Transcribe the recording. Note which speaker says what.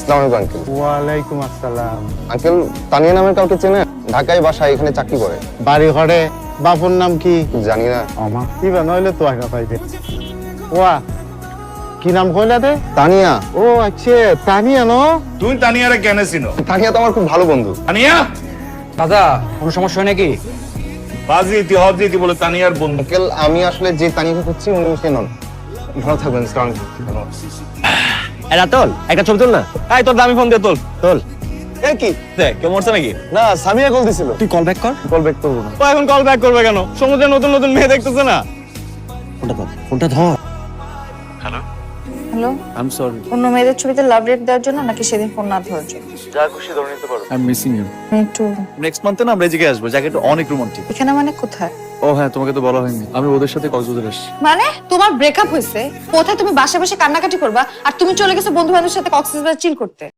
Speaker 1: আসসালামু আলাইকুম আঙ্কেল।
Speaker 2: ওয়ালাইকুম আসসালাম।
Speaker 1: আঙ্কেল, তানিয়া নামের কাউকে চেনেন? ঢাকায় বাসা, এখানে চাকরি করে।
Speaker 2: বাড়ি ঘরে বাপুর নাম কি?
Speaker 1: জানি না।
Speaker 2: আমার কি নইলে তো আগে পাইবে। ওয়া কি নাম কইলা দে?
Speaker 1: তানিয়া।
Speaker 2: ও আচ্ছা, তানিয়া ন?
Speaker 3: তুই তানিয়ারে কেন চিনো?
Speaker 1: তানিয়া তো আমার খুব ভালো বন্ধু।
Speaker 3: তানিয়া
Speaker 4: দাদা কোনো সমস্যা হয় নাকি?
Speaker 3: বাজি ইতি হজি ইতি বলে তানিয়ার বন্ধু।
Speaker 1: আঙ্কেল, আমি আসলে যে তানিয়াকে খুঁজছি উনি সে নন। ভালো থাকবেন।
Speaker 4: এরা তোল একটা ছবি তোল না। এই তোর দামি ফোন দিয়ে তোল তোল।
Speaker 1: এ কি?
Speaker 4: দেখ কেউ মরছে নাকি?
Speaker 1: না, সামিয়া কল দিছিল।
Speaker 4: তুই কল ব্যাক কর।
Speaker 1: কল ব্যাক করবো না।
Speaker 4: ও এখন কল ব্যাক করবে কেন? সমুদ্রে নতুন নতুন মেয়ে দেখতেছে না। ফোনটা ধর, ফোনটা ধর।
Speaker 5: Hello,
Speaker 6: I'm sorry.
Speaker 5: অন্য মেয়েদের ছবিতে লাভ রেট দেওয়ার জন্য নাকি সেদিন ফোন না ধরার জন্য?
Speaker 6: I'm missing you.
Speaker 5: আমি একটু
Speaker 6: নেক্সট মান্থে না আমরা এই জায়গায় আসবো, জায়গাটা অনেক রোমান্টিক।
Speaker 5: এখানে মানে কোথায়?
Speaker 6: ও হ্যাঁ, তোমাকে তো বলা হয়নি, আমি ওদের সাথে কক্সবাজার আসছি।
Speaker 5: মানে তোমার ব্রেকআপ হয়েছে, কোথায় তুমি বাসা বসে কান্নাকাটি করবা আর তুমি চলে গেছো বন্ধু বান্ধবের সাথে কক্সবাজার চিল করতে?